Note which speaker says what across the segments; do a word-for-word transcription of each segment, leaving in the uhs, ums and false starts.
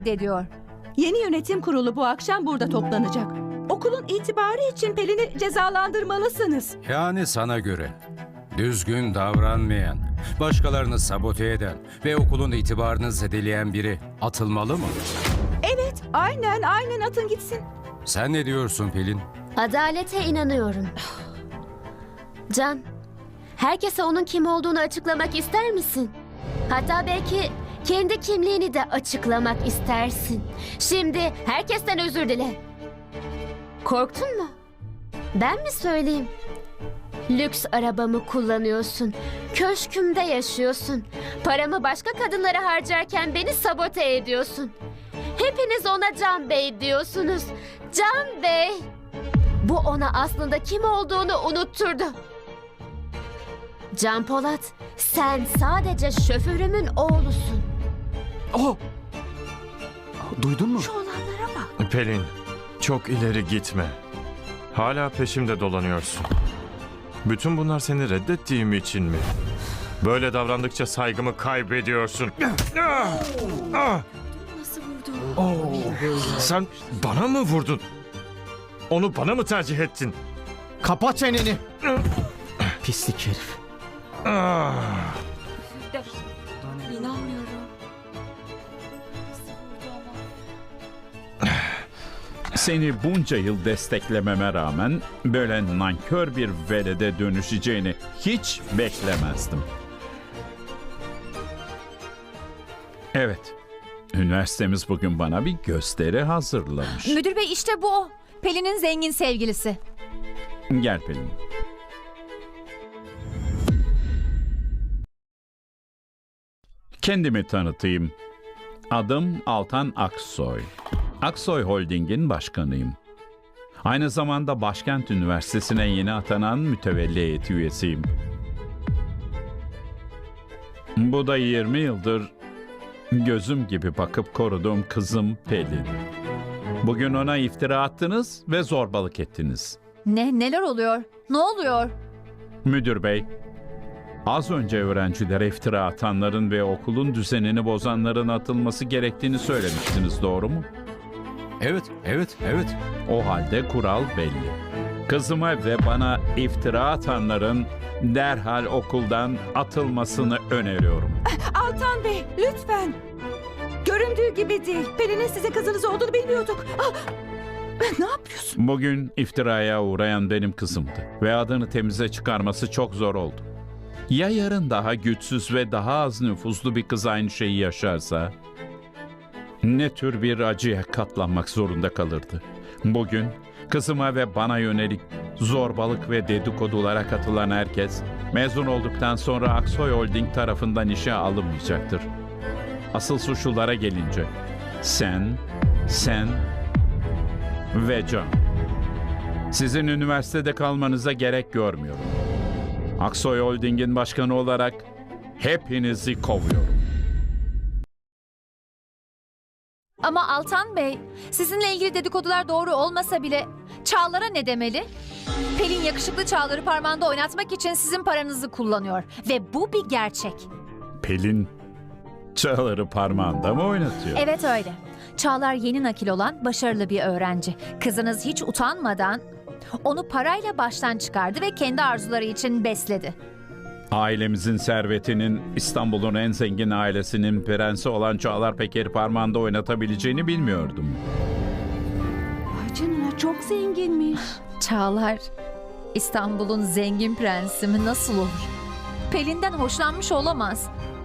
Speaker 1: ediyor.
Speaker 2: Yeni yönetim kurulu bu akşam burada toplanacak. Okulun itibarı için Pelin'i cezalandırmalısınız.
Speaker 3: Yani sana göre düzgün davranmayan, başkalarını sabote eden ve okulun itibarını zedeleyen biri atılmalı mı?
Speaker 2: Evet, aynen aynen atın gitsin.
Speaker 3: Sen ne diyorsun Pelin?
Speaker 4: Adalete inanıyorum. Can, herkese onun kim olduğunu açıklamak ister misin? Hatta belki kendi kimliğini de açıklamak istersin. Şimdi herkesten özür dile. Korktun mu? Ben mi söyleyeyim? Lüks arabamı kullanıyorsun. Köşkümde yaşıyorsun. Paramı başka kadınlara harcarken beni sabote ediyorsun. Hepiniz ona Can Bey diyorsunuz. Can Bey! Bu ona aslında kim olduğunu unutturdu. Can Polat, sen sadece şoförümün oğlusun.
Speaker 5: Oh! Duydun mu?
Speaker 2: Şu olanlara bak.
Speaker 6: Pelin, çok ileri gitme. Hala peşimde dolanıyorsun. Bütün bunlar seni reddettiğim için mi? Böyle davrandıkça saygımı kaybediyorsun.
Speaker 2: Nasıl vurdu?
Speaker 6: Sen bana mı vurdun? Onu bana mı tercih ettin?
Speaker 5: Kapat çeneni! Pislik herif.
Speaker 6: Ah!
Speaker 2: İnanmıyorum.
Speaker 7: Seni bunca yıl desteklememe rağmen böyle nankör bir velede dönüşeceğini hiç beklemezdim. Evet, üniversitemiz bugün bana bir gösteri hazırlamış.
Speaker 1: Müdür bey işte bu o. Pelin'in zengin sevgilisi.
Speaker 7: Gel Pelin. Kendimi tanıtayım. Adım Altan Aksoy. Aksoy Holding'in başkanıyım. Aynı zamanda Başkent Üniversitesi'ne yeni atanan mütevelli heyeti üyesiyim. Bu da yirmi yıldır gözüm gibi bakıp koruduğum kızım Pelin. Bugün ona iftira attınız ve zorbalık ettiniz.
Speaker 1: Ne? Neler oluyor? Ne oluyor?
Speaker 7: Müdür bey, az önce öğrencilere iftira atanların ve okulun düzenini bozanların atılması gerektiğini söylemiştiniz, doğru mu?
Speaker 3: Evet, evet, evet.
Speaker 7: O halde kural belli. Kızıma ve bana iftira atanların derhal okuldan atılmasını öneriyorum.
Speaker 2: Altan Bey, lütfen. Göründüğü gibi değil. Pelin'in size kızınız olduğunu bilmiyorduk. Ah! Ne yapıyorsun?
Speaker 7: Bugün iftiraya uğrayan benim kızımdı ve adını temize çıkarması çok zor oldu. Ya yarın daha güçsüz ve daha az nüfuzlu bir kız aynı şeyi yaşarsa? Ne tür bir acıya katlanmak zorunda kalırdı? Bugün kızıma ve bana yönelik zorbalık ve dedikodulara katılan herkes mezun olduktan sonra Aksoy Holding tarafından işe alınmayacaktır. Asıl suçlulara gelince sen, sen ve Can. Sizin üniversitede kalmanıza gerek görmüyorum. Aksoy Holding'in başkanı olarak hepinizi kovuyorum.
Speaker 1: Ama Altan Bey, sizinle ilgili dedikodular doğru olmasa bile Çağlar'a ne demeli? Pelin yakışıklı Çağlar'ı parmağında oynatmak için sizin paranızı kullanıyor. Ve bu bir gerçek.
Speaker 7: Pelin Çağlar'ı parmağında mı oynatıyor?
Speaker 1: Evet öyle. Çağlar yeni nakil olan başarılı bir öğrenci. Kızınız hiç utanmadan onu parayla baştan çıkardı ve kendi arzuları için besledi.
Speaker 7: Ailemizin servetinin İstanbul'un en zengin ailesinin prensi olan Çağlar Peker'i parmağında oynatabileceğini bilmiyordum.
Speaker 2: Ay canına, çok zenginmiş.
Speaker 1: Çağlar, İstanbul'un zengin prensi mi nasıl olur? Pelin'den hoşlanmış olamaz.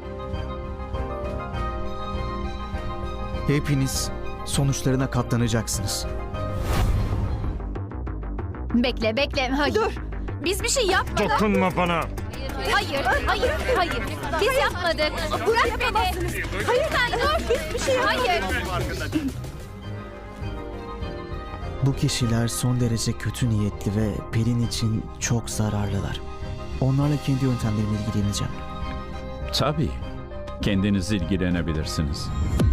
Speaker 5: Hepiniz sonuçlarına katlanacaksınız.
Speaker 1: Bekle bekle. Hayır.
Speaker 2: Dur.
Speaker 1: Biz bir şey yapmadık.
Speaker 6: Dokunma bana.
Speaker 1: Hayır, hayır, hayır. Biz yapmadık. Bırak beni. Hayır, sen dur.
Speaker 2: Biz bir şey
Speaker 1: Hayır.
Speaker 5: Bu kişiler son derece kötü niyetli ve Pelin için çok zararlılar. Onlarla kendi yöntemlerimle ilgileneceğim.
Speaker 7: Tabii, kendiniz ilgilenebilirsiniz.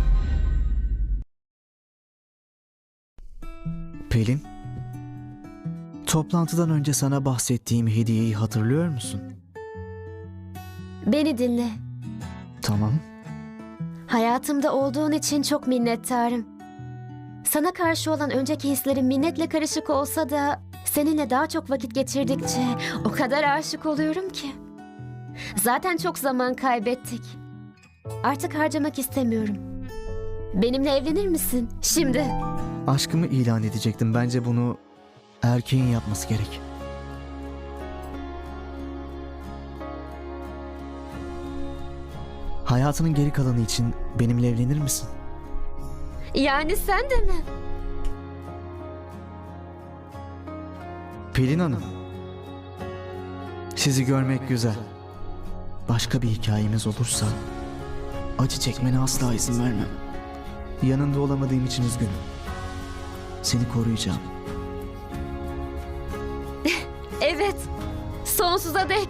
Speaker 5: Pelin, toplantıdan önce sana bahsettiğim hediyeyi hatırlıyor musun?
Speaker 4: Beni dinle.
Speaker 5: Tamam.
Speaker 4: Hayatımda olduğun için çok minnettarım. Sana karşı olan önceki hislerim minnetle karışık olsa da seninle daha çok vakit geçirdikçe o kadar aşık oluyorum ki. Zaten çok zaman kaybettik. Artık harcamak istemiyorum. Benimle evlenir misin? Şimdi.
Speaker 5: Aşkımı ilan edecektim. Bence bunu erkeğin yapması gerek. Hayatının geri kalanı için benimle evlenir misin?
Speaker 4: Yani sen de mi?
Speaker 5: Pelin Hanım. Sizi görmek güzel. Başka bir hikayemiz olursa acı çekmene asla izin vermem. Yanında olamadığım için üzgünüm. Seni koruyacağım.
Speaker 4: Evet. Sonsuza dek.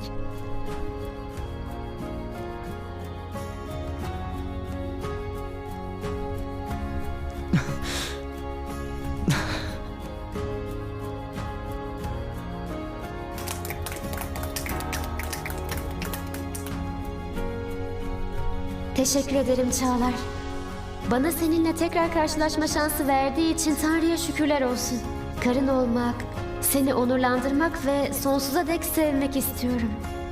Speaker 4: Teşekkür ederim Çağlar. Bana seninle tekrar karşılaşma şansı verdiği için Tanrı'ya şükürler olsun. Karın olmak, seni onurlandırmak ve sonsuza dek sevmek istiyorum.